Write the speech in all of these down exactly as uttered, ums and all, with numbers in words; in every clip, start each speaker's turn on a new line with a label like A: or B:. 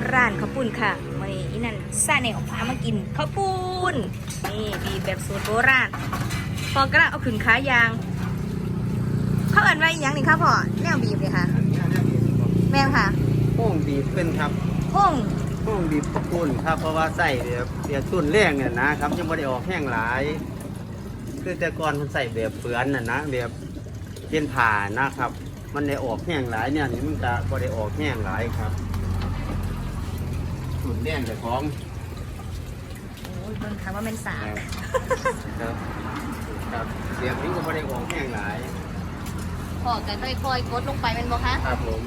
A: ร้านข้าวปุ้นค่ะวันนี้อีนั่นซาเนลพามากินข้าวปุ้นนี่บีบแบบสูตรโบราณพอกระเอาขึ้นขายางเขาเอิ้นไว้ยังนี่ค่ะพ่อแนวบีบเลยค่ะแม่ค่ะ
B: โป่งบีบเป็นครับ
A: ห้อง
B: โป่งบีบข้าวปุ้นครับเพราะว่าใส่แบบเดียตุ้นแรงเนี่ยนะครับยังไม่ได้ออกแห้งหลายคือแต่ก่อนมันใส่แบบเฟือนน่ะนะแบบเป็นผ่านะครับมันได้ออกแห้งหลายเนี่ยนี่มันจะไม่ได้ออกแห้งหลายครับตุ้นแรงแต่ของ
A: โอ้ยเบิ่งค่ะว่าเป็นสาม
B: ครับครับเสียงนี้ก็ไม่ได้ออกแห้งหลาย
A: พ่อกันค่อยๆกดลงไปเป็นบ่คะ
B: ครับผม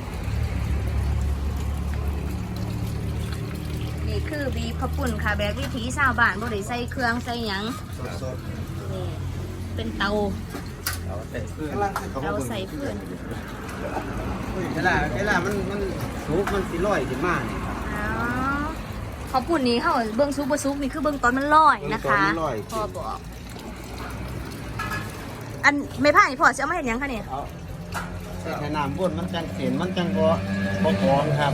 A: นี่คือบีบข้าวปุ้นค่ะแบบวิถีชาวบ้านบ่ได้ใส่เครื่องใส่หยัง
B: สด
A: ๆนี่เป็นเตา
B: เราใส่เพื่อน
A: เราใส่เพื่อน
B: เวลาเวลามันมันสุกมันสิลอยขึ้นมาเนี่ยครับ
A: อ๋อข้าวปุ้นนี้เขาเบิ้งซุปบ่ซุปนี่คือเบิ้งตอนมันลอยนะคะพ่อบอกอันไม่ผ่านนี่พ่อจะเอามาเห็นยังคะเนี่ย
B: ใส่น้ำบนมันจังเสียนมันจังบ่บ่กรองครับ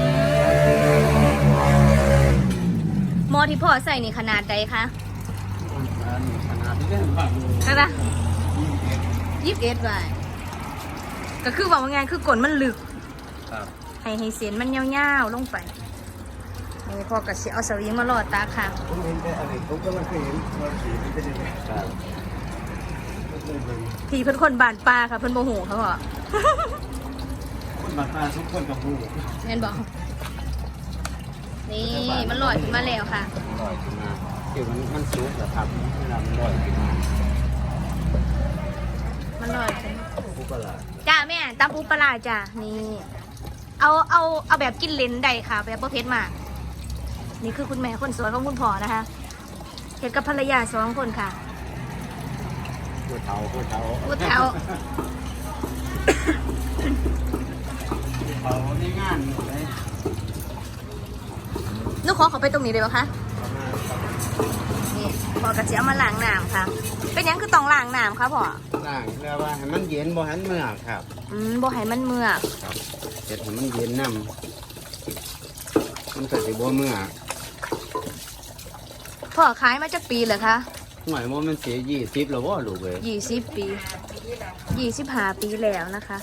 A: หม้อที่พ่อใส่นี่ขนาดใดคะ
B: ขนาดที่ได้บ้าง
A: ขนาดยี่สิบเอ็ดไว้ก็คือบอกว่าไงคือกลนมันลึกให้ให้เส้นมันยาวๆลงไปนี่พ่อก็สิเอาสวิงมาลอดตาค่ะ
B: ผมเห็นแต่อะไรผมก็ไม่เคยเห็นว่าสีมันเป็นยังไงครับ
A: พี่เพิ่นคนบานปลาค่ะเพิ่นโมโหเขาบอก
B: คนบานปลาทุกคนกับผู้
A: เห็นบอกนี่มันลอยขึ้นมาแล้วค่ะ
B: ลอยขึ้นมาคือมันมันสูงแต่ครับเวลามันลอยขึ้นมา
A: มันลอยขึ้น
B: ปูปลา
A: จ้าแม่ตำปูปลาจ้านี่เอาเอาเอาแบบกินเลนได้ค่ะแบบประเภทมากนี่คือคุณแม่คนสวยของคุณพ่อนะคะเห็นกับภรรยาสองคนค่ะ
B: ผู้เฒ่าผู้เฒ่า
A: ผู้เฒ่า
B: เขาในงานเลย
A: นุ๊กขอเขาไปตรงนี้เลยปะคะนี่พ่อกระเจี๊ยบมาล้างน้ำค่ะเป็นยังคือต้องล้างน้ำค่ะพ่อ
B: ล้างเพื่อว่าให้มันเย็นบ่ให้มันเมือกครับ
A: อืมบ่ให้มันเมือก
B: ครับเสร็จให้มันเย็นน้ำมันก็สิบ่เมือก
A: พ่อขายมาจากปีเหรอคะ
B: หน่อยว่ามันเสียยี่สิบแล้วว่าลูกเลย
A: ยี่สิบปียี่สิบห้าปีแล้วนะคะ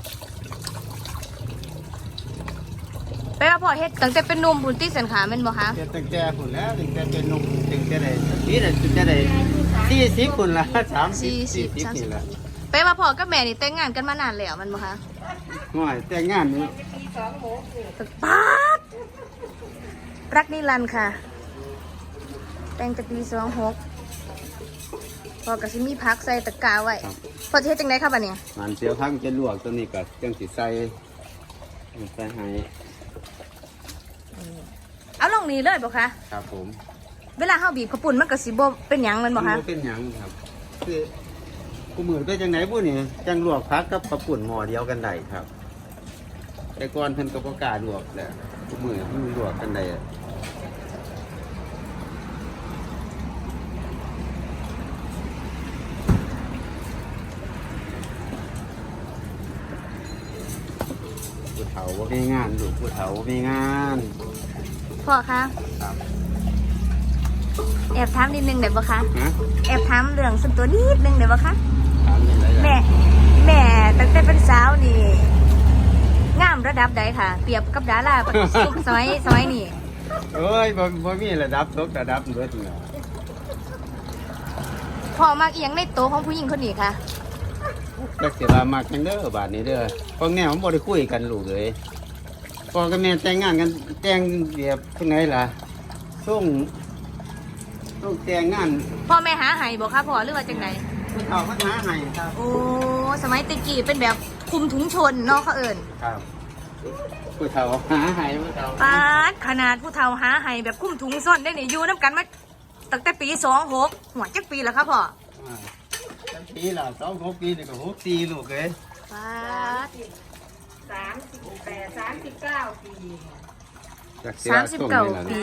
A: ไปว่าพ่อเฮ็ดตั้งแต่เป็นนุ่มบุญที่สันขาเป็นบ่คะ
B: เฮ็ดตั้งแต่พุ่นแล้วตั้งแต่เป็นนุ่มตั้งแต่ได้นี่แหละตั้งแต่ได้สี่สิบพุ่นละสามสิบสี่สิบนี่แหละ
A: ไปว่าพ่อกับแม่นี่แต่งงานกันมานานแล้วมันบ่คะ
B: หน่อยแต่งงานนี่
A: ป๊าดรักนิรันดร์ค่ะแต่งแต่ปีสองหกพอกระซิมีพักใส่ตะกร้าไว้พอจะเฮ็ดจังไดครับอันนี้
B: มันเสียวพักจะลวกตัวนี้ก็จังสิใส่ใส่ให้
A: เอาลงนี้เลยบ่คะ
B: ครับผม
A: เวลาเฮาบีบข้าวปุ้นมันก็สิบ่เป็นหยังมันบ่คะ
B: บ่เป็นหยังครับคือกูมือไปจังไหนบุนี่จังลวกพักกับข้าวปุ้นหม้อเดียวกันได้ครับแต่ก่อนเพิ่นก็บ่กล้าลวกแหละกูมือมันลวกกันได้ผู้เฒ่าว่ามีงานลูกผู้เฒ่าว่ามีงาน
A: พ่อคะแอบถามนิดนึงได้ปะคะแอบถามเรื่องส่วนตัวนิดนึงได้ปะคะแม่แม่ตั้งแต่เป็นสาวนี่งามระดับใดค่ะเปรียบกับดาราสมัยสมัยนี้
B: เอ้ยบ่บ่มีระดับตกระดับเบิดเนาะ
A: พ่อมักเอียงในโตของผู้หญิงคนนี้ค่ะ
B: ก็เสียว่ามักจังเด้อบาดนี้เด้อพวกแนวมันบ่ได้คุยกันลูกเลยพ่อกับแม่แต่งงานกันแต่งแบบจังไดล่ะส่งส่งแต่งงาน
A: พ่อแม่หาให้บ่คะพ่อหรือว่าจังได
B: ผู้เฒ่ามาหาให้ครับ
A: โอ้สมัยตะกี้เป็นแบบคุมถุงชนเนาะเขาเอิ้น
B: ครับผู้เฒ่าหาให้ผู้เฒ่า
A: ปาดขนาดผู้เฒ่าหาให้แบบคุมถุงซ่อนได้นี่อยู่นำกันมาตั้งแต่ปีสองหกหัวจักปีแล้วครับพ่อ
B: ปีละสองหกปีนี่ก็หกสี่ลูกเลย
A: ป้า
C: สามสิบแปดสามสิบเก้าปี
A: สามสิบเก้าปี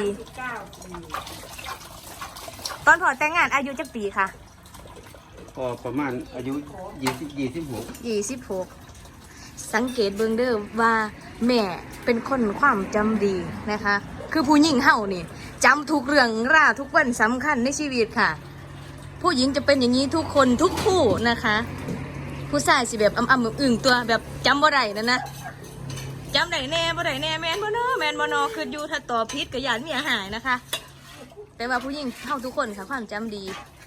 A: ตอนพ่อแต่งงานอายุจักปีค่ะ
B: พอประมาณอายุยี่สิบยี่สิบหก
A: ยี่สิบหกสังเกตเบิ่งเด้อว่าแม่เป็นคนความจำดีนะคะ คือผู้หญิงเฮานี่จำทุกเรื่องราวทุกวันสำคัญในชีวิตค่ะ ผู้หญิงจะเป็นอย่างนี้ทุกคนทุกคู่นะคะ ผู้ชายสิแบบอ่ำๆอึ่งๆตัวแบบจำบ่ได้นั่นนะจำได้แน่บ่ได้แน่แม่นบ่เนาะแม่นบ่เนาะคืออยู่ถ้าตอบผิดก็ย่านเมียหายนะคะ แต่ว่าผู้หญิงเฮาทุกคนค่ะความจำดี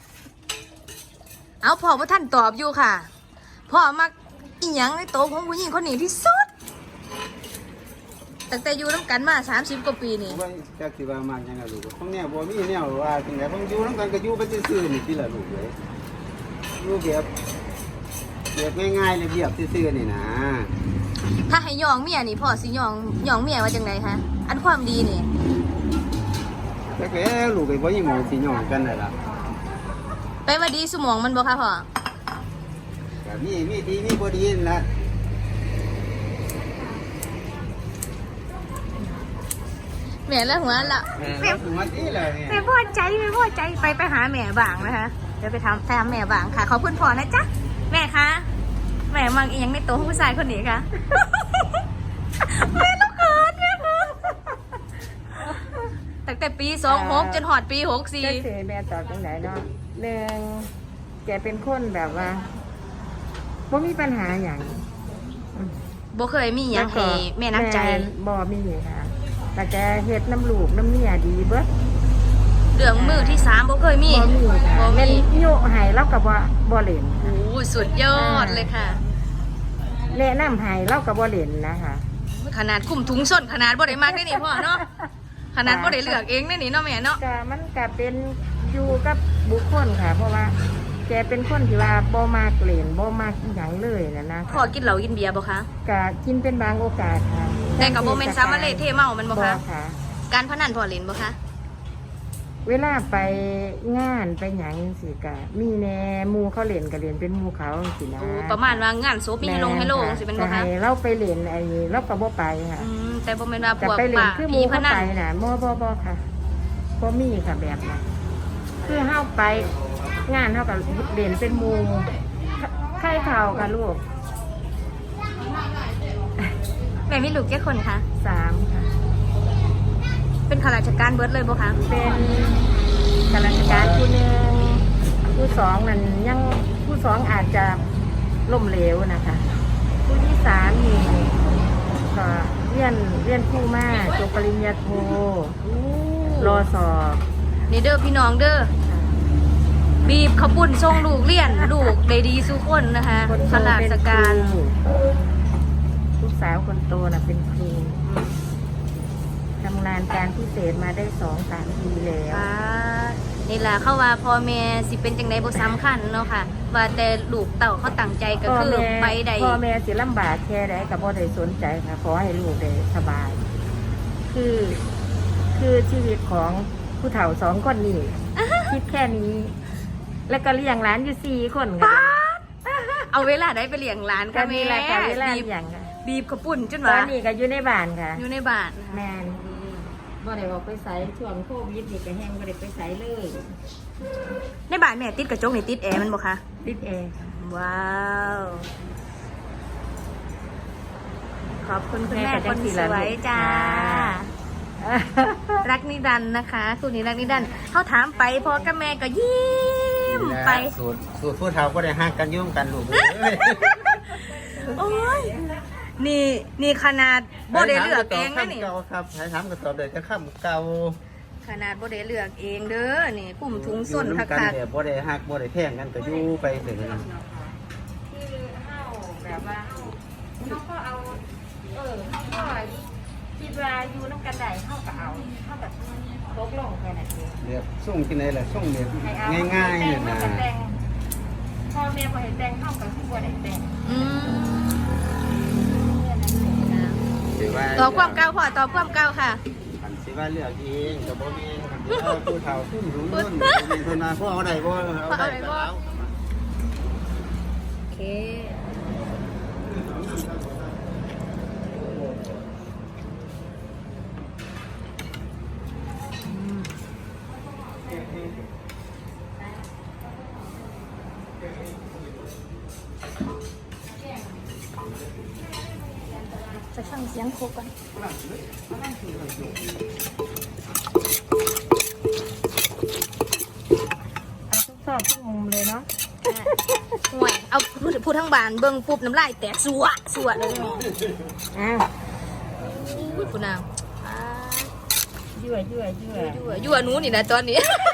A: เอาพ่อว่าท่านตอบอยู่ค่ะพ่อมักอีหยังในโตวของผู้หญิงคนนี้ที่สุดตั้งแต่อยู่น้ำกันมาสามสิบกว่าปีนี่
B: ว่าจักสิว่ามันยังไงลูกของแนวบ่มีแนวว่าจังได๋ของอยู่นำกันก็อยู่ไปซื่อๆนี่ติล่ะลูกเอ้ยอยู่แบบแบบง่ายๆเรียบๆซื่อๆนี่นะ
A: ถ้าให้ยองเมียนี่พ่อสิยองยองเมียว่าจังไดคะอันความดีนี่
B: แต่ก็ลูกไอ้บ่ยิหมองสิย่องกันนั่นล่ะ
A: ไปว่าดีสมองมันบ่คะพ่อ
B: ก็มีมีดีมีบ่ดีนั่นล่ะ
A: แม่ละหัวละ
B: แม่ถึงมาดีเลยเนี่ย
A: แม่พอใจแม่พอใจไปไปหาแม่บางนะคะเดี๋ยวไปทำตามแม่บางค่ะขอบคุณพ่อนะจ๊ะแม่คะแม่มังอีหยังในโตวของผู้ชายคนนี้ค่ะ แม่ต้องเขินแม่เขินตั้งแต่ปีสองหกจนหอดปีหกสี่
C: ก็คือแม่ตอบตรงไหนเนาะหนึ่งแกเป็นคนแบบว่าบ่มีปัญหาอย่าง
A: บ่เคยมีหยังให้แม่นักใจ
C: บ่มีค่ะแต่แกเฮ็ดน้ำลูกน้ำเมียดีเบิด
A: เรื่องมือที่สามบ่เคยมี
C: บ่มีค่ะ
A: บ่
C: แม่น
A: มี
C: โยให้เราก็บ่บ่เล่น
A: โอ้ยสุดยอดเลยค่ะ
C: แนะนำให้เราก็บ่เล่นนะคะ
A: ขนาดคุมถุงส้นขนาดบ่ได้มากได้นี่พ่อเนาะขนาดบ่ได้เลือกเองได้นี่เนาะแม่เนาะ
C: ก็มันก็เป็นอยู่กับบุคคลค่ะ เพราะว่าแกเป็นคนที่ว่าบ่มากเล่นบ่มากอีหยังเลยนะนะ
A: พ่อกินเหล้ากินเบียร์บ่คะ
C: ก็กินเป็นบางโอกาสค่ะ
A: แต่กับโมเมนต์ซามาเลเทเมามันบ่คะ
C: ค่ะ
A: การพนันพ่อเล่นบ่คะ
C: เวลาไปงานไปหยังสิกะมีแน่หมูเขาเล่นก็เล่นเป็นหมูเขาสินะ
A: โอ้ประมาณว่างานศพมีให้ลงให้โลงสิเป็นบ่
C: แต่
A: คะ
C: ให้เราไปเล่นไอ้เราก็บ่ไปค่ะ
A: อืมแต่บ่แม่นว่าพ
C: แต่
A: วก
C: ไปเล่น
A: ป่า
C: คือห
A: ผี
C: มู
A: พ
C: เขา
A: นัน
C: ไปน่ะบ่บ่บ่ค่ะบ่มีค่ะแบบนั้นคือเฮาไปงานเฮาก็เล่นเป็นหมูไข่เข่าค่ะลูก
A: แม่มีลูกแค่คนคะ
C: สามค่ะ
A: เป็นข้าราชการเบิดเลยบ่คะ
C: เป็นข้าราชการผู้หนึ่งผู้สองนั่นยังผู้สองอาจจะล้มเหลวนะคะ ผู้ที่สามนี่ก็เรียนเรียนผู้มากจบปริญญาโทรอสอบ
A: นี่เด้อพี่น้องเด้อบีบขาวปุ่นส่งลูกเรียนลูกได้ดีสุคนนะคะ
C: คนโต
A: ข้ารา
C: เป็น
A: ช
C: ค
A: การ
C: รูลูกสาวคนโตน่ะเป็นครูทำงานการพิเศษมาได้สองสามปีแล้ว
A: อ่านี่ล่ะเข้าว่าพ่อแม่สิเป็นจังไดบ่สำคัญเนาะค่ะ ว่าแต่ลูกเต่าเขาตั้งใจก็คือ
C: พ่อแม่
A: ไปได้
C: พ่อแม่สิลำบากแค่ใดกับพ่อได้สนใจค่ะขอให้ลูกได้สบาย คือ คือชีวิตของผู้เฒ่าสองคนนี้ คิดแค่นี้ แล้วก็เลี้ยงหลานอยู่สี่คนค่ะ
A: เอาเวลาได้ไปเลี้ยงหลาน
C: ก็
A: ค่ะ
C: มี
A: แม่
C: รายการเวลา
A: บีบ
C: อย่างค่ะ
A: บีบขาวปุ่นจน
C: ตอ
A: ว่าน
C: นี้ก็อยู่ในบ้านค่ะ
A: อยู่ในบ้านนะคะ
C: แมนบ่ได้ออกไปใส่ช่วงโควิดนี่ก็แห้งบ่ได้ไปใส่เลย
A: ในบ้านแม่ติดกระจกนี่ติดแอร์มันบ่คะ
C: ติดแอร์
A: ว้าว ขอบคุณคุณแม่คนสวยจ้า รักนิรันดร์นะคะคุณนี้รักนิรันดร์เขาถามไปพอกับแม่ก็ยิ้มไป
B: สูตรสูตรผู้เฒ่าก็ได้ห่างกันยุ่งกันลูกเอ้ย
A: โอ้ยนี่นี่ขนาดโบได้เลือกเองนะนี่
B: เก่าครับใช้ถามก็ตอบได้แต่คำเก่า
A: ขนาดโบได้เลือกเองเด้อนี่กลุ่มทุงส้น
B: อยู่
A: คั
B: นำกัน
A: ก
B: แต่บ่ได้หักบ่ได้แพงกันก็อยู่ไปถึงนั้น
C: คือเฮาแบบว่าเฮาเฮาก็เอา เออเฮาก็คิดว่าอยู่น้ำกันได้เฮาก็เอาเฮาแบบตกลงแค่นั้นเอง
B: เรียบส่งที่ไหนล่ะส่งเรียบ
C: ให้เอา
B: ง่ายๆเนี่ยนะ
C: ให้แต่งพ่อแม่บ่ให้แต่งเฮาก็คือบ่ได้แต่ง
A: ๆอืม
B: สิว่า
A: ตอบความเก่าพ่อตอบความเก่าค่ะ
B: คันสิว่าเลือกเองก็บ่แม่นคันสิเอาผู้เฒ่าซุ่มสูงนู่นบ่แม่นเพิ่นว่าพ่อเอาได้บ่เอาได้ก็เอา
A: โอเคไปฟังเสียงโคกก่อน
C: เอาทุกซอกทุกมุมเลยเนาะ
A: ห่วยเอาพูดพูดทั้งบานเบิ่งปุ๊บน้ำลายแตกสัวสัวเลยแม่
C: อ้าว
A: พูดพูดนาง
C: ยั่วยั่วยั่ว
A: ยั่วยั่วหนูนี่นะตอนนี้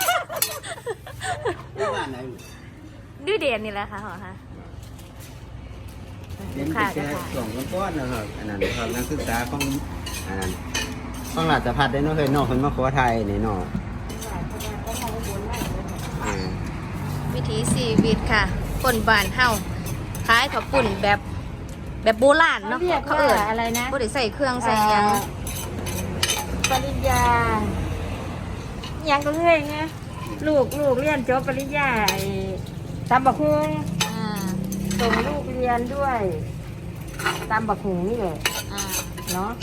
B: ที่บ้านไหน
A: ดื้อเด่นนี่แหละค่ะหอค่ะ
B: เรียนแค่สองก้อนนะครับอันนั้นครับนักศึกษาของอันนั้นของราชภัฏได้เนาะเคยนอกคนมาขอไทยนี่เนาะเออ
A: วิถีชีวิตค่ะคนบ้านเฮาขายข้าวปุ้นแบบแบบโบราณ
C: เขา
A: เนาะ
C: เรียก
A: เขา
C: ว่า
A: เอิ้น
C: อะไรนะ
A: บ่ได้ใส่เครื่องใส่หยัง
C: ปริญญาหยังก็เรื่อยไงลูกลูกเรียนจบปริญญาไอ้ตำบักฮุง
A: อ่า
C: ส่งลูกเรียนด้วยตำบักฮุงนี่แหละ
A: อ่า
C: เนาะ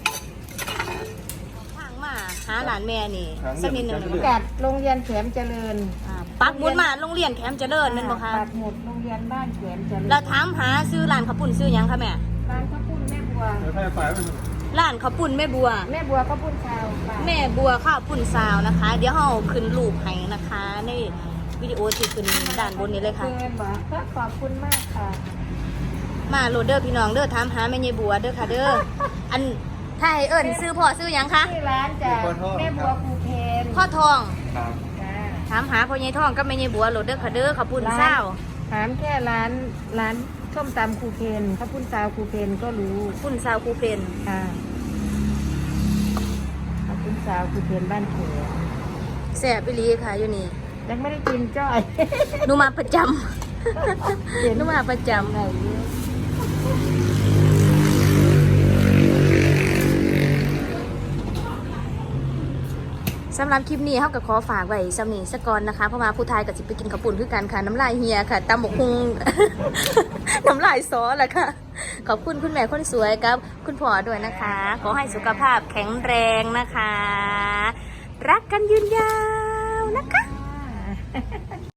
A: ทางมาหาหลานแม่นี่สักนิดหนึง
C: ประกาศโรงเรียนแขมเจริญ
A: อ่าปักหมุดมาโรงเรียนแคมป์เจริญแม่นบ่คะ
C: ปักหมุดโรงเรียนบ้านแขมเจริญ
A: เราถามหาซื้อร้านข้าวปุ้นซื้อหยังคะแม่
C: ร้านข้าวปุ้นแม่บัว
A: ร้านข้าวปุ้นแม่บัว
C: แม่บัวข้าวปุ้นชาวป่า
A: แม่บัวข้าวปุ้นซาวนะคะ เดี๋ยวเฮาขึ้นรูปให้นะคะ ในวิดีโอที่ขึ้นด้านบนนี้เลยค่ะ
C: เกินบ่ก็ขอบคุณมากค่ะ
A: มาโหลดเด้อพี่น้องเด้อถามหาแม่ยายบัวเด้อค่ะเด้อ อันถ้าให้เอิ้นซื้อพ่อซื้อหยังคะ
C: ที่ร้านจากแม่บัวภูเพน
A: พ่อทอง
B: ครับ
C: จ้า
A: ถามหาพ่อยายทองกับแม่ยายบัวโหลดเด้อค่ะเด้อข้าวปุ้นซาว
C: ถามแค่ร้านร้านส้มตำครูเพนข้าวปุ้นซาวครูเพนก็รู้
A: ปุ้นซาวครูเพน
C: ค่ะข้าวปุ้นซาวครูเพนบ้านเขย
A: แซ่บอีหลีค่ะอยู่นี่
C: ยังไม่ได้กินจ้อย
A: หนูมาประจำ หนูมาประจำ
C: ไหนเยอะ
A: สำหรับคลิปนี้เขาก็ขอฝากไว้สำนีสกอนนะคะเพราะว่าผู้ทายกับสิไปกินข้าวปุ้นคือกันค่ะน้ำลายเฮียค่ะตำบกฮุง น้ำลายซอแหละค่ะ ขอบคุณคุณแม่คนสวยกับ คุณพ่อด้วยนะคะ ขอให้สุขภาพแข็งแรงนะคะ รักกันยืนยาวนะคะ